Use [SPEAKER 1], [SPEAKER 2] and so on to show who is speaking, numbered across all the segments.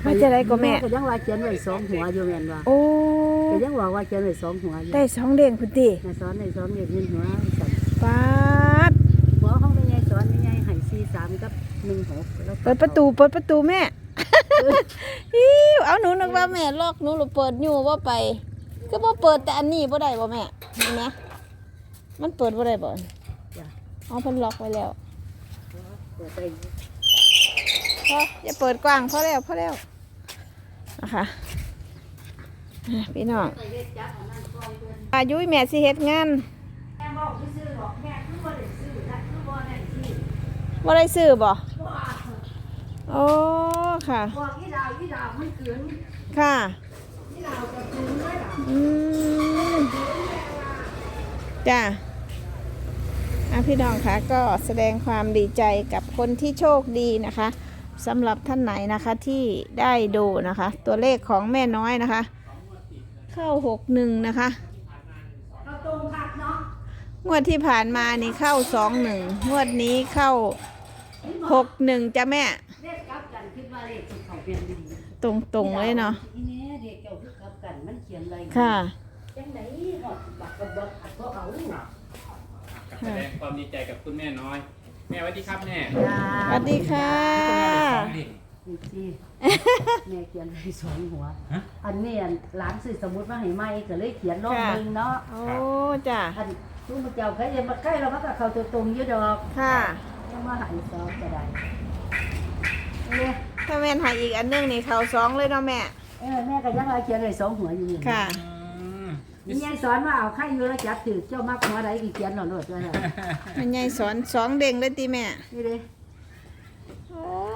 [SPEAKER 1] ว่าจะได้ก็แม่
[SPEAKER 2] ก็ยังว่าเขียนไว้2หัวอยู่แม่นว่า
[SPEAKER 1] โอ้
[SPEAKER 2] ก็ยังว่าเขียนไว้2หัวอยู่
[SPEAKER 1] ได้2เด้งพุ่นติ
[SPEAKER 2] แม่สอนได้2เด็กเงินหัวสั่น
[SPEAKER 1] ปาด
[SPEAKER 2] หัวของแม่ใหญ่สอนแม่ใหญ่ให้43กับ16แล้ว
[SPEAKER 1] เปิดประตูแม่ อิ๊วเอาหนูนึกว่าแม่ล็อกหนูหรือเปิดอยู่บ่ไปก็บ่เปิดแต่อันนี้บ่ได้บ่แม่เห็นไหมมันเปิดบ่ได้บ่
[SPEAKER 2] จ้ะ
[SPEAKER 1] อ๋อเพิ่นล็อกไว้แล้ว
[SPEAKER 2] เปิดไป
[SPEAKER 1] พออย่าเปิดกว้างพอแล้วนะคะพี่น้องอายุแม่สิเฮ็ดงาน
[SPEAKER 2] แม่บอกซื้อหรอกแม่คือบ่ได้ซื้อนะคือบ่ได้ซื้อ
[SPEAKER 1] บ่ได้ซื้อบ่โอ้ค่ะ
[SPEAKER 2] บอกอีดาวมันเกิน
[SPEAKER 1] ค่ะ
[SPEAKER 2] อีดาวจะกินได้ล่ะ
[SPEAKER 1] อืมจ้าพี่น้องคะก็แสดงความดีใจกับคนที่โชคดีนะคะสำหรับท่านไหนนะคะที่ได้ดูนะคะ ตัวเลขของแม่น้อยนะคะ เข้า61นะคะ
[SPEAKER 2] เราตรงคักเนาะ
[SPEAKER 1] งวดที่ผ่านมานี่เข้า21งวดนี้เข้า61จ้ะแม่
[SPEAKER 2] เลขกลับกันคิดว่าเลขสิเขาเปลี่ยนดี
[SPEAKER 1] ตรงๆเลยเนาะ
[SPEAKER 2] อีแม่เด็กเจ้าคือกลับกันมันเขียนอะไร
[SPEAKER 1] ค่ะ
[SPEAKER 2] จังได๋ฮอดบักบักบ่เอา
[SPEAKER 3] แสดงความดีใจกับคุณแม่น้อย แม่สวัสดีครับแม่
[SPEAKER 1] สวัสดีค่ะ
[SPEAKER 2] นี่สิแม่เขียนให้2หัว อันนี้หลานซื้อสมุดมาให้ใหม่ก็เลยเขียนลงเบิ่งเนาะ
[SPEAKER 1] โอ้จ้ะ
[SPEAKER 2] อันตู้มาเจ้าใครจะมาใกล้เรามันก็เข้าตัวตรงอยู่ดอก
[SPEAKER 1] ค่ะ
[SPEAKER 2] ยังมาหายซอก็ได้เนี่ย
[SPEAKER 1] ถ้าแม่นใหายอีกอันนึงนี่เข้า2เลยเนาะแม่
[SPEAKER 2] แม่ก็ยังเอาเขียนเลย2หัวอยู่นี่
[SPEAKER 1] ค่ะ
[SPEAKER 2] มียายสอนว่าเอาไข่อยู่แล้วจับถือเจ้ามักหัวใดกี่เขียนหน่อยโลดด้วยนะ
[SPEAKER 1] แม่ใหญ่สอน2เด้งเลยติแม่
[SPEAKER 2] นี่เด้
[SPEAKER 1] โอ้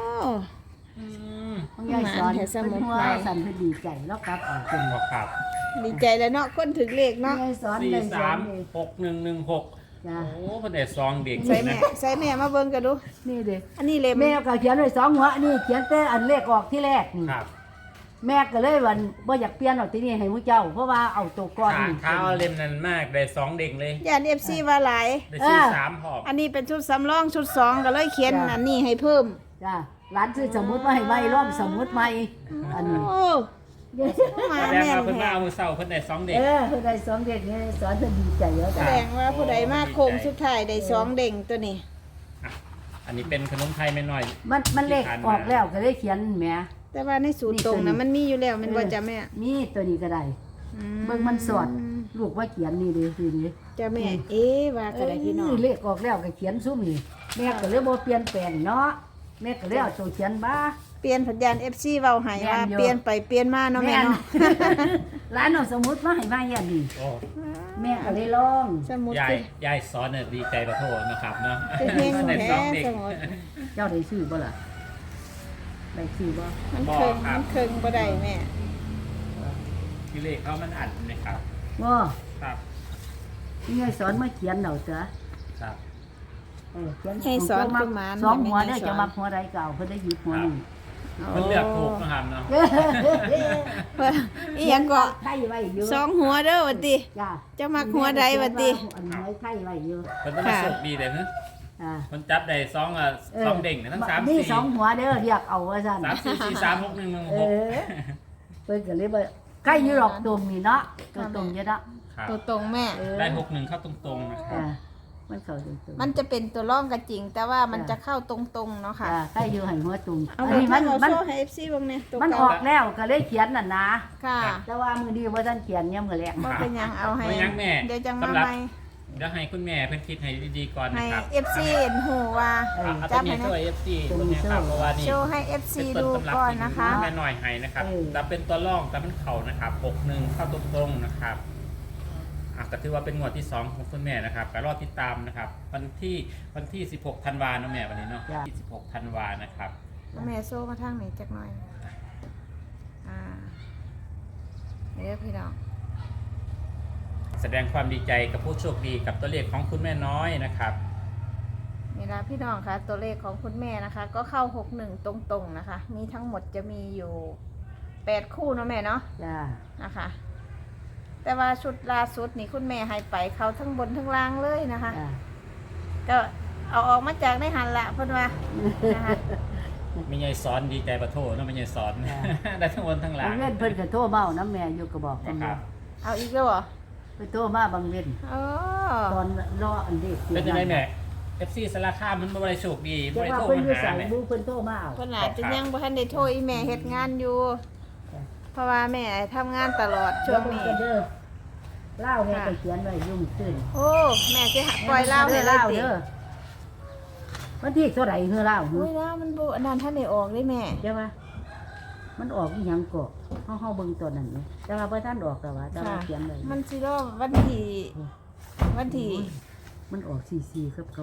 [SPEAKER 2] ของยายสอนเป็นหัวสั่นเพิ่นดีใจแล้วกลับออก
[SPEAKER 3] คุณบอกครับ
[SPEAKER 1] ดีใจแล้วเนาะคนถึงเลขเนาะ
[SPEAKER 2] ยายสอน
[SPEAKER 3] สี่
[SPEAKER 2] เลยสอ
[SPEAKER 3] สาน ม
[SPEAKER 2] เลย
[SPEAKER 3] หกหนึ่งหนึ่งหก
[SPEAKER 2] จ้า
[SPEAKER 3] โอ้พระเดชซองเด็ก
[SPEAKER 1] ใส่แม่มาเบิ่งกันดู
[SPEAKER 2] นี่เด้
[SPEAKER 1] อันนี้เล่ม
[SPEAKER 2] แม่ก็เขียนเลย2หัวนี่เขียนแต่อันเลขออกที่แรกนี่
[SPEAKER 3] ครับ
[SPEAKER 2] แม่ก็เลยวันบ่อยากเปลี่ยนเอาที่นี่ให้มุเจ้าเพราะว่าเอาตัวก้อน
[SPEAKER 3] ขา
[SPEAKER 2] นี่
[SPEAKER 3] เท้าเล่มนั้นมากได้สองเด็กเลย
[SPEAKER 1] ย่าน FC ว่าหลาย
[SPEAKER 3] ได้สี่สามหอบ
[SPEAKER 1] อันนี้เป็นชุดสำรองชุด2ก็เลยเขียนอันนี้ให้เพิ่ม
[SPEAKER 2] จ้าร้านซื้อสมุดมาให้ใบร่องสมุดใหม่อันนี้
[SPEAKER 1] โอ้มา
[SPEAKER 3] แสดง
[SPEAKER 1] แม่น
[SPEAKER 3] ว่าเพิ่นมา
[SPEAKER 1] แท้
[SPEAKER 3] เอามือเศร้าเพิ่นได้สองเด็ก
[SPEAKER 2] เพิ่นได้2เด็กนี่สอนเพิ่นดีใจเยอะ
[SPEAKER 1] แส
[SPEAKER 2] จ้ะ
[SPEAKER 1] ดงว่าผู้ใดมาโค้งสุดท้ายได้2เด้งตัวนี้
[SPEAKER 3] อันนี้เป็นขนมไทยแม่น้อย
[SPEAKER 2] มันเลขออกแล้วก็เลยเขียนแหม
[SPEAKER 1] แต่ว่าในสูตรตรงนะมันมีอยู่แล้วแมันบ่จ้ะแม่
[SPEAKER 2] มีตัวนี้ก็ได้เบิ่งมันสอดลูกว่าเขียนนี่เด้ทีนี้
[SPEAKER 1] จ้ะแม่เอ๊ะว่าก็ได้พี่น้อง
[SPEAKER 2] เลขออกแล้วก็เขียนซุ่มนี่แม่ก็เลยบ่เปลี่ยนแปลงเนาะแม่ก็เลยเอาตัวเขียนบ้า
[SPEAKER 1] เปลี่ยนสัญญาณ FC เว้าให้ว่า
[SPEAKER 2] แม่นอยู่
[SPEAKER 1] เปลี่ยนไปเปลี่ยนมาเนาะแม่เนาะ
[SPEAKER 2] ร้านเอาสมุดมาให้ใบอันนี้
[SPEAKER 3] โอ้
[SPEAKER 2] แม่ก็เลยลอง
[SPEAKER 1] สมุด
[SPEAKER 3] ยาย
[SPEAKER 1] สิ
[SPEAKER 3] ยายสอนเนี่ยดีใจประโทษนะครับเนาะ
[SPEAKER 1] คือเฮง
[SPEAKER 3] ได้
[SPEAKER 1] แท้
[SPEAKER 3] สองเด็ก
[SPEAKER 1] สมุด
[SPEAKER 2] เจ้าได้ซื้อบ่ล่ะได้ซื้อบ่
[SPEAKER 1] มันเคิงมันเคิงบ่ได้แม่
[SPEAKER 3] ที่เลขเขามันอัดนะครับ
[SPEAKER 2] บ่
[SPEAKER 3] ครับ
[SPEAKER 2] นี่ไงสอนมาเขียนเอาจ้ะ
[SPEAKER 3] ครับ
[SPEAKER 2] เขียน
[SPEAKER 1] ให้สอนประมาณ
[SPEAKER 2] สองหัวเด้อจะมักหัวใดเก่าเพิ่นได้หยิบหัวนี่
[SPEAKER 3] มันเลือกถูกนะครับเนาะ
[SPEAKER 1] เพิ่นอีหยังก็
[SPEAKER 2] ไข่ไว้อยู่
[SPEAKER 1] สองหัวเด้อว่าติ
[SPEAKER 2] จ้า
[SPEAKER 1] จะมักหัวใดวะติ
[SPEAKER 2] อันไว้ไข่ไว้อยู่
[SPEAKER 3] มันต้องมาสุกดีเลยนะ
[SPEAKER 2] อ่า
[SPEAKER 3] มันจับได้สองสองเด้งนะทั้งสาม
[SPEAKER 2] นี่
[SPEAKER 3] สี่
[SPEAKER 2] สองหัวเด้อเรียกเอาว่าซั่น
[SPEAKER 3] สามสี่สี่สามหกหนึ่งหนึ่ง
[SPEAKER 2] เอ
[SPEAKER 3] หก
[SPEAKER 2] อเพิ่นก็เลยว่าไข่อยู่หรอกตรงนี่เนาะตรงอยู่เนาะ
[SPEAKER 3] ครับ
[SPEAKER 1] ตัวตรงแม่
[SPEAKER 3] ได้หกหนึ่งเข้าตรงๆนะครับ
[SPEAKER 2] อ่ามันเข้าตรงๆ
[SPEAKER 1] มันจะเป็นตัวร่องก็จริง แต่ว่ามันจะเข้าตรงๆเนาะค่ะ
[SPEAKER 2] ไข่อยู่ให้หัวตรง
[SPEAKER 1] เอา
[SPEAKER 2] อันนี้
[SPEAKER 1] มั
[SPEAKER 2] มัน น
[SPEAKER 1] โชว์ให้ FC เบิ่งเนี่ยตัว
[SPEAKER 2] มันอ
[SPEAKER 1] เก่า
[SPEAKER 2] อกแล้วก็เลยเขียนน่ะนะ
[SPEAKER 1] ค่ะ
[SPEAKER 2] แต่ว่ามือดีว่าท่านเขียนเนี่ยมือแรก
[SPEAKER 1] บ่เป็นหยังเอาให้
[SPEAKER 3] ไม่ยั้งแม่
[SPEAKER 1] เดี๋ยวจังมา
[SPEAKER 3] สำหรับ
[SPEAKER 1] ใหม่
[SPEAKER 3] เดี๋ยวให้คุณแม่เพิ่นคิดให้ดีๆก่อน
[SPEAKER 1] ให้
[SPEAKER 3] นะครับ
[SPEAKER 1] FC เห็นหูว่า
[SPEAKER 3] เอาตั
[SPEAKER 1] จั
[SPEAKER 3] ว
[SPEAKER 1] บ
[SPEAKER 3] นี้
[SPEAKER 1] ให้
[SPEAKER 3] ช่วย
[SPEAKER 1] นะ
[SPEAKER 3] FC ตัวนี้ครับเพราะว่านี่
[SPEAKER 1] โชว์ให้ FC
[SPEAKER 3] เป็น
[SPEAKER 1] ดู
[SPEAKER 3] ต้นตำรับ
[SPEAKER 1] ก่อน
[SPEAKER 3] ที่
[SPEAKER 1] นะคะ
[SPEAKER 3] แม่หน่อยให้นะครับแต่เป็นตัวร่องแต่มันเข่านะครับ61เข้าตรงๆนะครับก็ถือว่าเป็นงวดที่2ของคุณแม่นะครับก็รอติดตามนะครับวันที่16ธันวาคมเนาะแม่วันนี้เนาะที่16ธันวาคมนะครับ
[SPEAKER 1] แม่โซ่มาทางไหนจักหน่อยเดี๋ยวพี่น้อง
[SPEAKER 3] แสดงความดีใจกับผู้โชคดีกับตัวเลขของคุณแม่น้อยนะครับ
[SPEAKER 1] นี่นะพี่น้องคะตัวเลขของคุณแม่นะคะ ก็เข้า61ตรงๆนะคะ มีทั้งหมดจะมีอยู่8คู่เนาะแม่เนาะ
[SPEAKER 2] จ้า
[SPEAKER 1] นะคะแต่ว่าชุดล่าสุดนี่คุณแม่ให้ไปเขาทั้งบนทั้งล่างเลยนะคะ
[SPEAKER 2] จ้า
[SPEAKER 1] ก็เอาออกมาจากในหันละเพิ่นว่านะคะ
[SPEAKER 3] ไม่ใหญ่สอนดีใจประโทษเนาะไม่ใหญ่สอน ได้ทั้งบนทั้งหลั
[SPEAKER 2] บาง งเว้นเพิ่นก็โทรมาเอาน้ำแม่อยู่ก็บอก
[SPEAKER 3] ครับ
[SPEAKER 1] เอาอีกแล้วเหรอ
[SPEAKER 2] ไปโทรมาบางเว้น
[SPEAKER 1] อ๋อ
[SPEAKER 2] ตอนรออันเด็ก
[SPEAKER 3] เป็นยังไงแม่ FC สารคามมันบ่ได้โชคดีบ่
[SPEAKER 2] จะ
[SPEAKER 3] ได้
[SPEAKER 2] ว่า
[SPEAKER 3] โทร
[SPEAKER 2] เพิ่น
[SPEAKER 3] มา
[SPEAKER 2] อยู่
[SPEAKER 3] หา
[SPEAKER 2] ใส่
[SPEAKER 3] แม่
[SPEAKER 2] บูเพิ่นโทรมาเอา
[SPEAKER 1] เพิ่นอาจจะยังบ่ทันได้โทรอีแม่เฮ็ดงานอยู่ เพราะว่าแม่ทำงานตลอดช่วงนี้
[SPEAKER 2] เดี๋ยเพิ่นก็เด้อเล่าแม่ก็เขียนไว้ยุ่งขึ้น
[SPEAKER 1] โอ้แม่สิหาปล่อยเล่าให้เลยติ
[SPEAKER 2] เด้อวันที่เท่าไหร่เฮือเล่า
[SPEAKER 1] โอ้ยเล่ามันบ่อันนั้นท่านได้ออกได้แม่
[SPEAKER 2] เดี๋ยวว่ามันออกอีหยังก็เฮาเบิ่งตัวนั้นนี่แต่ว่าบ่ทันออกแต่ว่าแต่ว่าเขียนไว้
[SPEAKER 1] มันสิรอวันที่วันที่
[SPEAKER 2] มันออก44กับ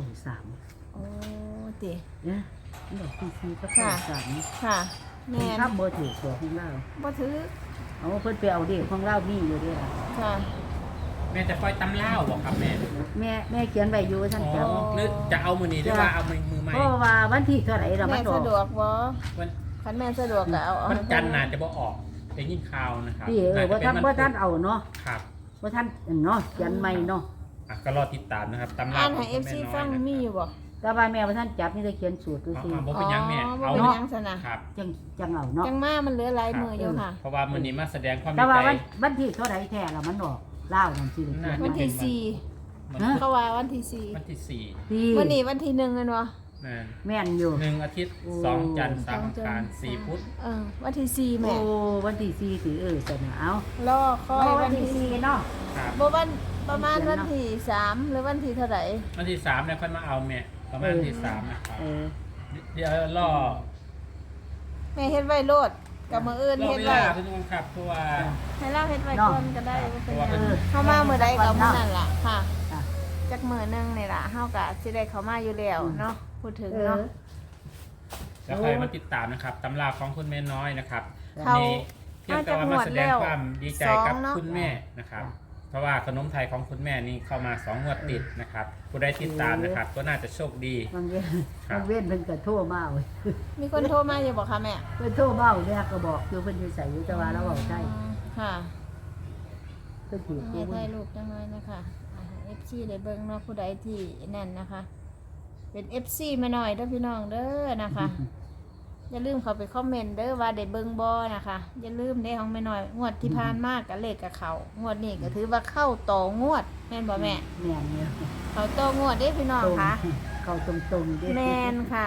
[SPEAKER 2] 93
[SPEAKER 1] โอ้ติ
[SPEAKER 2] เนี่ยมันออก44กับ
[SPEAKER 1] ค่ะ
[SPEAKER 2] 93
[SPEAKER 1] ค่ะ
[SPEAKER 2] แม่
[SPEAKER 1] แม่
[SPEAKER 2] ครับบ่ถูกตัวของเรา
[SPEAKER 1] บ่ถือ
[SPEAKER 2] เอาเพิ่นไปเอาเด็กของเรามีอยู่เด้อ
[SPEAKER 1] ค่ะ
[SPEAKER 3] แม่จะปล่อยตำเล่าวบ่ครับแม่
[SPEAKER 2] แม่เขียนไว้อยู่ท่าน
[SPEAKER 3] อ๋อ
[SPEAKER 2] จำ
[SPEAKER 3] หรือจะเอามือนี้หรือว่าเอามือใหม่
[SPEAKER 2] เพราะว่าวันที่เท่าไหร่เรา
[SPEAKER 1] แม่
[SPEAKER 2] มันออ
[SPEAKER 1] สะ
[SPEAKER 2] ก
[SPEAKER 1] ดวกบ่
[SPEAKER 3] วัน
[SPEAKER 1] คันแม่สะดวกก็เอา
[SPEAKER 3] วันจันทร์น่าจะบ่ออกได้ยินข่าวนะครับ
[SPEAKER 2] พี่ว่าท่าน
[SPEAKER 3] จะเป็
[SPEAKER 2] ว่าท่านเอาเนาะ
[SPEAKER 3] ครับ
[SPEAKER 2] ว่าท่านเนาะเขียนใหม่เนาะ
[SPEAKER 3] อ่ะก็รอติดตามนะครับตำรา
[SPEAKER 1] อ่าน
[SPEAKER 3] ข
[SPEAKER 1] ให้
[SPEAKER 3] องคุณ
[SPEAKER 1] FC
[SPEAKER 3] แม่น้
[SPEAKER 1] ฟั
[SPEAKER 3] อย
[SPEAKER 1] ง
[SPEAKER 3] นะ
[SPEAKER 1] มีอยู่บ่
[SPEAKER 2] แต่ว่าแม่ว่าท่านจับนี่ได้เขียนสูตรดู
[SPEAKER 3] อ๋
[SPEAKER 2] สิ
[SPEAKER 3] อบ่เป็นหยังแม่
[SPEAKER 1] บ่
[SPEAKER 3] เอา
[SPEAKER 1] เป็น
[SPEAKER 3] เนาะ
[SPEAKER 1] หยังซะนะ
[SPEAKER 3] ครับ
[SPEAKER 2] จังเอาเนาะ
[SPEAKER 1] จังมามันเหลือหลายมืออยู่ค่ะ
[SPEAKER 3] เพราะว่ามื้อนี้มาแสดงความ
[SPEAKER 2] แต่
[SPEAKER 3] ดี
[SPEAKER 2] ว่า
[SPEAKER 3] ใจ
[SPEAKER 2] วันที่เท่าไหร่แท้ละมันออกเล่านั่นสิได้เขียน
[SPEAKER 1] วันที่
[SPEAKER 3] มัน
[SPEAKER 2] ฮะ
[SPEAKER 1] 4เขาว่าวันที่
[SPEAKER 3] วันที่สี่
[SPEAKER 2] ที่
[SPEAKER 1] 4วันนี้วันที่1แม่นบ่
[SPEAKER 3] นั่น
[SPEAKER 2] แม่นอยู่
[SPEAKER 3] 1 อาทิตย์
[SPEAKER 2] โอ้
[SPEAKER 3] 2 จันทร์3 อังคาร4 พุธ
[SPEAKER 1] วันที่4
[SPEAKER 2] โอ้
[SPEAKER 1] แม่
[SPEAKER 2] วันที่4สิจะน่ะเอา
[SPEAKER 1] รอคอย
[SPEAKER 2] วั
[SPEAKER 1] วัน น
[SPEAKER 2] ที่
[SPEAKER 1] ที่
[SPEAKER 2] 4เนาะ
[SPEAKER 3] ครับ
[SPEAKER 1] บ่วันประมาณวันที่3หรือวันที่เท่าไหร่
[SPEAKER 3] วันที่3เนี่ยค่อยมาเอาแม่ประมาณวันที่3นะครับ
[SPEAKER 2] เออ
[SPEAKER 3] เดี๋ยวรอ
[SPEAKER 1] แม่เฮ็ดไว้โลดกับมื้ออื่น
[SPEAKER 3] รอ
[SPEAKER 1] เฮ็ด
[SPEAKER 3] เว
[SPEAKER 1] ไว้
[SPEAKER 3] ลาพี่น้องครับเพราะว่า
[SPEAKER 1] ให้เราเฮ็ดไว้ก่อนก็ได้บ่เป็นห
[SPEAKER 3] เพ
[SPEAKER 1] ยั
[SPEAKER 3] ราะ
[SPEAKER 1] ง
[SPEAKER 3] ว่า
[SPEAKER 1] เข้ามามื้อใดก็มื้อนั้นล่ะค่ะ
[SPEAKER 2] อ่ะ
[SPEAKER 1] จักมื้อหนึงนี่ล่ะเฮาก็สิได้เข้ามาอยู่แล้วเนาะพูดถึง
[SPEAKER 2] เออ
[SPEAKER 1] เนาะ
[SPEAKER 3] แล้วใครมาติดตามนะครับตำราของคุณแม่น้อยนะครับ
[SPEAKER 1] เขา
[SPEAKER 3] วันนี้เพียงแต่ว่ามาแสดงความดีใจกับคุณแม่นะครับ เพราะว่าขนมไทยของคุณแม่นี่เข้ามา2 งวดติดนะครับผู้ใดติดตามนะครับ ก็น่าจะโชคดี
[SPEAKER 2] บางเว้น
[SPEAKER 3] ครับ
[SPEAKER 2] บางเว้นเพิ่นก็โทรมาเว้ย
[SPEAKER 1] มีคนโทรมาอยู่บ่คะแม่
[SPEAKER 2] เพิ่นโทรมาเอาเนี่ยก็บอกอยู่เพิ่นอยู่ใส่อยู่แต่ว่าเราบอกได้
[SPEAKER 1] ค่ะ
[SPEAKER 2] เพิ่นถือ
[SPEAKER 1] ให้
[SPEAKER 2] กู
[SPEAKER 1] ถ่ายรูปจังเลยนะคะFC ได้เบิ่งเนาะผู้ใดที่นั่นนะคะ เป็น FC มาหน่อยเด้อพี่น้องเด้อนะคะ อย่าลืมเข้าไปคอมเมนต์เด้อว่าได้เบิ่งบ่นะคะอย่าลืมได้ของแม่น้อยงวดที่ผ่านมาก็เลขกับเขางวดนี้ก็ถือว่าเข้าต่องวดแม่นบ่แม่
[SPEAKER 2] แม่นเนี่ย
[SPEAKER 1] เขาต่องวดเด้พี่น้องค่ะ
[SPEAKER 2] เข้าตรงๆเด้
[SPEAKER 1] แม่นค่ะ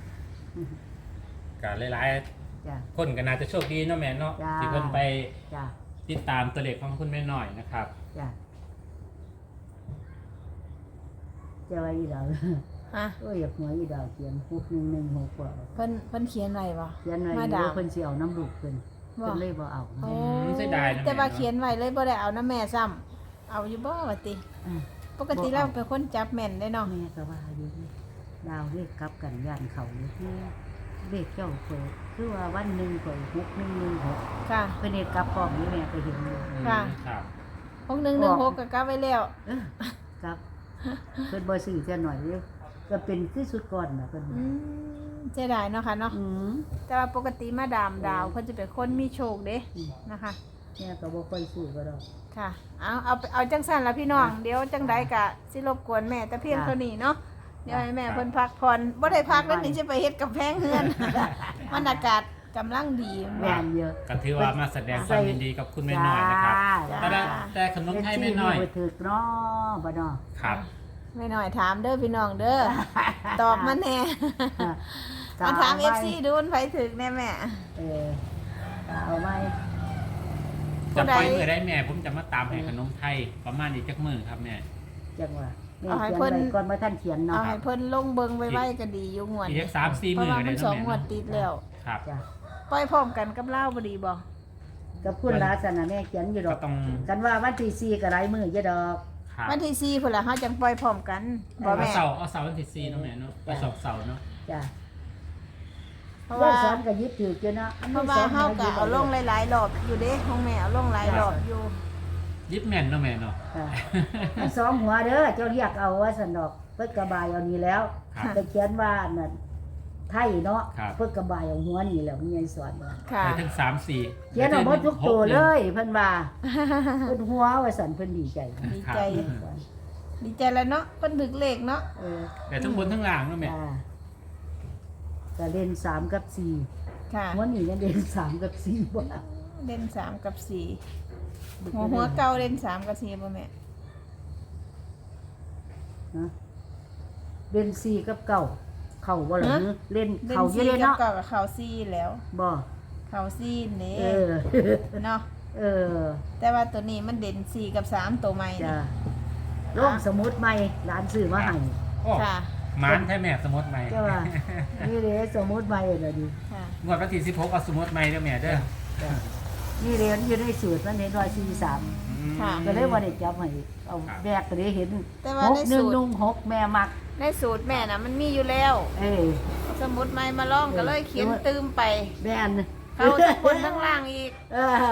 [SPEAKER 3] กับหลาย
[SPEAKER 2] จ้ะ
[SPEAKER 3] ๆคนก็น่าจะโชคดีเนาะแม่เนาะ
[SPEAKER 2] จ้า
[SPEAKER 3] ที่เพิ่นไป
[SPEAKER 2] จ้ะ
[SPEAKER 3] ติดตามตัวเลขของคุณแม่น้อยนะครับ
[SPEAKER 2] จ้ะจะว่าอีดาว
[SPEAKER 1] ฮะ
[SPEAKER 2] โอ้ยอยากหัวอีดาวเขียน6116กว่า
[SPEAKER 1] เพิ่นเขียนไว้บ่
[SPEAKER 2] เขียนไว้
[SPEAKER 1] มา
[SPEAKER 2] อยู่
[SPEAKER 1] ดาม
[SPEAKER 2] เพิ่นสิเอาน้ำลูกเพิ่น
[SPEAKER 1] บ่
[SPEAKER 2] เพิ่นเลยบ่เอา
[SPEAKER 1] โอ้
[SPEAKER 3] เสียดายนะแม่
[SPEAKER 1] แต่ว่า
[SPEAKER 3] เนาะ
[SPEAKER 1] เขียนไว้เลยบ่ได้เอานะแม่ซ้ำเอาอยู่บ่ว่าติ
[SPEAKER 2] อ่ะ
[SPEAKER 1] ปกติเราเป็นคนจับแม่นได้เนาะ
[SPEAKER 2] แม่ก็ว่าอยู่นี่ดาวเลขกลับกันย่านเขาอยู่ที่เลขเจ้าเปิดคือว่าวันหนึงเปิด6116
[SPEAKER 1] ค่ะ
[SPEAKER 2] เพิ่นเฮ็ดกลับพร้อมนี่แม่ก็เห็นอยู่
[SPEAKER 1] ค่ะ
[SPEAKER 3] ครับ
[SPEAKER 1] 6116ก็กลับไว้แล้ว
[SPEAKER 2] เออครับเพิ่นบ่ซื้อจะหน่อยเด้อก็เป็นคือสุดก่อนน่ะเพิ่น
[SPEAKER 1] อืมเสียดายเนาะค่ะเนาะ
[SPEAKER 2] อืม
[SPEAKER 1] แต่ว่าปกติมาดามดาวเพิ่นจะเป็นคนมีโชคเด้นะคะ
[SPEAKER 2] แม่ก็บ่ค่อยซื้อก็ดอก
[SPEAKER 1] ค่ะ เอาจังสั่นละพี่น้อง เดี๋ยวจังใดกะสิรบกวนแม่แต่เพียงเท่านี้เนาะ เดี๋ยวให้แม่เพิ่นพักผ่อนบ่ได้พักแล้วนี่สิไปเฮ็ดกับแพงเฮือน มันอากาศกำลังดี
[SPEAKER 2] แม่นเยอะ
[SPEAKER 3] ก็ถือว่ามาแสดงความยินดีกับคุณแม่น้อยนะครับ
[SPEAKER 2] จ้า
[SPEAKER 3] แต่ขนมไทยแม่น้อย
[SPEAKER 2] บ่ถึกเนาะบ่เนาะ
[SPEAKER 3] ครับ
[SPEAKER 1] แม่น้อยถามเด้อพี่น้องเด้อ ตอบมาแน่ มาถาม FC ดูมันไผถึกแน่แม่
[SPEAKER 2] เออเอาไว้
[SPEAKER 3] จะปล่อยมือได้แม่ผมจะมาตามให้ขนมไทยประมาณอีกจักมือครับแม่
[SPEAKER 2] จังว่าแม่
[SPEAKER 1] เอาให้
[SPEAKER 2] เขียน
[SPEAKER 1] เพิ่น
[SPEAKER 2] ไว้ก่อนบ่ทันเขียน
[SPEAKER 1] เอา
[SPEAKER 2] เนาะ
[SPEAKER 1] ให้เพิ่นลงเบิงไว้ๆก็ดีอยู่งวด
[SPEAKER 3] อีก
[SPEAKER 1] นี้
[SPEAKER 3] สัก3-4
[SPEAKER 1] เพ
[SPEAKER 3] มื
[SPEAKER 1] ราะ
[SPEAKER 3] อ
[SPEAKER 1] ว่า
[SPEAKER 3] ก็
[SPEAKER 1] มั
[SPEAKER 3] ได้
[SPEAKER 1] น
[SPEAKER 3] เนาะ
[SPEAKER 1] สอง
[SPEAKER 3] แม่
[SPEAKER 1] งวด
[SPEAKER 3] เนาะ
[SPEAKER 1] ติดแล้ว
[SPEAKER 3] ครับ
[SPEAKER 2] จ้ะ
[SPEAKER 1] ปล่อยพร้อมกันกับเล่าวบ่ดีบ่
[SPEAKER 2] กับคุณลาสนะแม่เขียนอยู่ด
[SPEAKER 3] ก็
[SPEAKER 2] อก
[SPEAKER 3] ต้อง
[SPEAKER 2] กันว่าวันที่4ก็หลายมื้ออยู่ดอก
[SPEAKER 3] ครับ
[SPEAKER 1] วันที่4พุ่นล่ะเฮาจังปล่อยพร้อมกันบ่
[SPEAKER 3] เอา
[SPEAKER 1] แม่
[SPEAKER 3] เสาร์เอาเสาร์วันที่4เนาะแม่เนาะไปสอบเสาร์เนาะ
[SPEAKER 2] จ้ะ
[SPEAKER 1] เพราะ
[SPEAKER 2] ว่า
[SPEAKER 1] ว่า
[SPEAKER 2] สอนก็ยึดถืออยู่เนาะ
[SPEAKER 1] เพราะว่าเฮาก็เอาลงหลายๆรอบอยู่เด้ของแม่เอาลงหลายรอบอยู่
[SPEAKER 3] ยิบแม่นเนาะแม่เนาะ
[SPEAKER 2] อ่ะมันสองหัวเด้อเจ้าเรียกเอาว่าซั่นดอกเพิ่นกระบายเอานี่แล้ว
[SPEAKER 3] ครับ
[SPEAKER 2] แต่เขียนว่านั่นไทยเนาะ
[SPEAKER 3] ครับ
[SPEAKER 2] เพิ่นกระบายเอาหัวนี่แหล้วมีไอ้สอนว่า
[SPEAKER 1] ค่ะ
[SPEAKER 3] ไปทั้ง3-4
[SPEAKER 2] เขียนเอาหมดทุกตัวเลยเพิ่นว่าเพิ่นหัวว่าซั่นเพิ่นดีใจ
[SPEAKER 1] ดีใจ ดีใจแล้วเนาะเพิ่นถึกเลขเนาะ
[SPEAKER 2] เออ
[SPEAKER 3] แต่ทั้งบนทั้งล่างเนาะแม่
[SPEAKER 2] จ้าก็เล่น3กับ
[SPEAKER 1] ค่ะ
[SPEAKER 2] 4วันนี้ยังเล่น3กับ4บ่
[SPEAKER 1] เล่น3กับ4หัวเก่าเล่น3กับ4บ่แม่
[SPEAKER 2] นะเล่น4กับ9เข้าบ่ล่ะเล่น
[SPEAKER 1] เล่น
[SPEAKER 2] เข้าอยู่
[SPEAKER 1] 4
[SPEAKER 2] เด้
[SPEAKER 1] กับ
[SPEAKER 2] เนาะ
[SPEAKER 1] เก่ากับเข้า4แล้ว
[SPEAKER 2] บ่
[SPEAKER 1] เข้า4นี่
[SPEAKER 2] เออ
[SPEAKER 1] เนาะ
[SPEAKER 2] เออ
[SPEAKER 1] แต่ว่าตัวนี้มันเด่น4กับ3ตัวใหม่
[SPEAKER 2] จ้ะ
[SPEAKER 1] นี่
[SPEAKER 2] ลงสมุดใหม่ร้านซื้อมาให้
[SPEAKER 3] โอ้
[SPEAKER 1] ค่ะ
[SPEAKER 3] หมานแท้แม่สมมติใหม่
[SPEAKER 2] เจ้าว่านี่เด้สมุดใหม่ล่ะดิ
[SPEAKER 1] ค่ะ
[SPEAKER 3] งวดวันที่16เอาสมมติใหม่เด้อแม่เด้อ
[SPEAKER 2] จ้ะนี่เรียนอยู่ในสูตรมันเห็น143
[SPEAKER 3] อืม
[SPEAKER 1] ค่ะ
[SPEAKER 2] ก็เลยบ่ได้จับให้เอาแบกก็ได้เห็น
[SPEAKER 1] แต่ว่าในสูตร
[SPEAKER 2] 6116แม่มัก
[SPEAKER 1] ในสูตรแม่น่ะมันมีอยู่แล้ว
[SPEAKER 2] เอ้ย
[SPEAKER 1] สมุดใหม่มาลองก็เลยเขียนตืมไป
[SPEAKER 2] แม่น
[SPEAKER 1] เข้าทั้งบนทั้งล่างอีก
[SPEAKER 2] เออ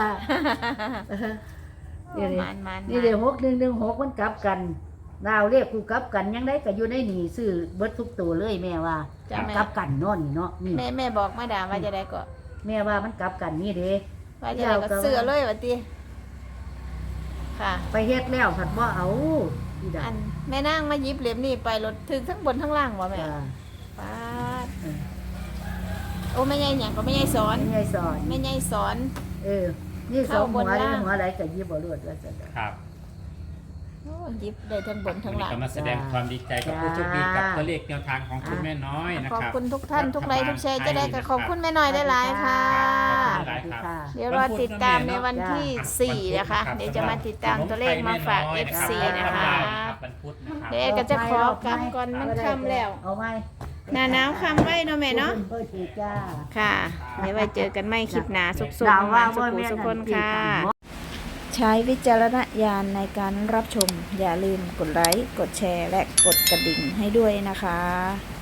[SPEAKER 2] นี่เด้
[SPEAKER 1] มัน
[SPEAKER 2] นี่เด้6116มันกลับกันดาวเลขกูกลับกันยังได้ก็อยู่ในนี่ซื้อเบิดทุกตัวเลยแม่ว่า
[SPEAKER 1] จ้ะแม่
[SPEAKER 2] กลับกันเนาะนี่เนาะนี่
[SPEAKER 1] แม่บอกมาด่าว่าจะได้ก็
[SPEAKER 2] แม่ว่ามันกลับกันนี่เด้
[SPEAKER 1] ว่าจะได้ก็เสือเลยว่าติค่ะ
[SPEAKER 2] ไปเฮ็ดแล้วผัดบ่เอาอีดา
[SPEAKER 1] อันแม่นางมาหยิบเหลี่ยมนี่ไปรถถึงทั้งบนทั้งล่างบ่แม่
[SPEAKER 2] จ้า
[SPEAKER 1] ป้าด
[SPEAKER 2] เออ
[SPEAKER 1] โอ้แม่ใหญ่หยังก็แม่ใหญ่สอน
[SPEAKER 2] ไม่ใช่สอน
[SPEAKER 1] แม่ใหญ่สอน
[SPEAKER 2] เออ นี่สองหัว
[SPEAKER 1] เข้าบน
[SPEAKER 2] นี่
[SPEAKER 1] ล่าง
[SPEAKER 2] หัวอะไรก็ยิบบ่รวดว่าซั่น
[SPEAKER 3] ครับ
[SPEAKER 1] โอ้หยิบได้ทั้งบนทั้ง
[SPEAKER 3] วันนี้
[SPEAKER 1] ล่าง
[SPEAKER 3] ก็มาแสดงความดีใจกับผู้โชคดีกับตัวเลขแนวทางของคุณแม่น้อยนะ
[SPEAKER 1] ขอบ
[SPEAKER 3] ครับ
[SPEAKER 1] คุณทุกท่านทุกไลค์ทุกแชร์จะได้กับขอบคุณแม่น้อยได้หลายๆค่ะ
[SPEAKER 3] ขอบคุณหลายครับ
[SPEAKER 1] เดี๋ยวรอติดตามในวันที่ 4 นะคะ เดี๋ยวจะมาติดตามตัวเลขมาฝาก FC นะคะ
[SPEAKER 3] วันพุธนะครับ
[SPEAKER 1] เดี๋ยวก็จะขอกลับก่อนมันค่ำแล้ว
[SPEAKER 2] เอาไหม
[SPEAKER 1] หน้าหนาวค่ำไว้เนาะแม่เนาะ
[SPEAKER 2] เพิ่นเฮ็ดจ้า
[SPEAKER 1] ค่ะเดี๋ยวไว้เจอกันไม่คลิปหน้าสุข
[SPEAKER 2] ดาว
[SPEAKER 1] ๆ
[SPEAKER 2] ว่า
[SPEAKER 1] มาสุ
[SPEAKER 2] บ่
[SPEAKER 1] ข
[SPEAKER 2] แม่น
[SPEAKER 1] สุขคน
[SPEAKER 2] อัที่
[SPEAKER 1] ค่ะ
[SPEAKER 2] ทำบ่
[SPEAKER 1] ใช้วิจารณญาณในการรับชม อย่าลืมกดไลค์ กดแชร์ และกดกระดิ่งให้ด้วยนะคะ